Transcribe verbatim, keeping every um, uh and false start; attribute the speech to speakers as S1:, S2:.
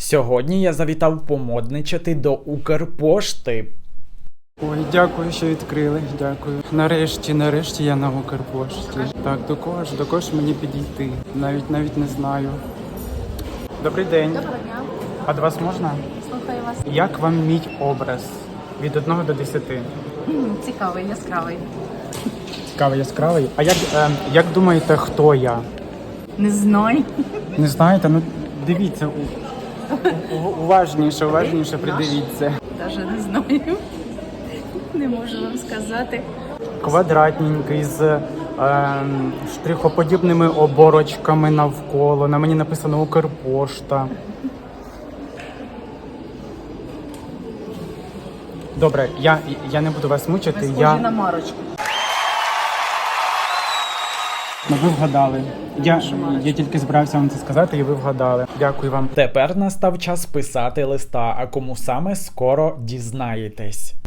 S1: Сьогодні я завітав помодничати до Укрпошти.
S2: Ой, дякую, що відкрили. Дякую. Нарешті, нарешті я на Укрпошті. Так, до кого ж, до кого ж мені підійти? Навіть навіть не знаю. Добрий день.
S3: Доброго дня.
S2: А до вас можна?
S3: Слухаю вас.
S2: Як вам мій образ? Від одного до десяти.
S3: М, Цікавий, яскравий.
S2: Цікавий, яскравий. А як, е, як думаєте, хто я?
S3: Не знаю.
S2: Не знаєте? Ну, дивіться. у- у- Уважніше, уважніше придивіться.
S3: Даже не знаю. Не можу вам сказати.
S2: Квадратненький з е, штрихоподібними оборочками навколо. На мені написано Укрпошта. Добре, я, я не буду вас мучити.
S3: Ви схожі
S2: Я...
S3: на Марочку.
S2: Ну, ви вгадали. Я, я тільки збирався вам це сказати, і ви вгадали. Дякую вам.
S1: Тепер настав час писати листа, а кому саме скоро дізнаєтесь.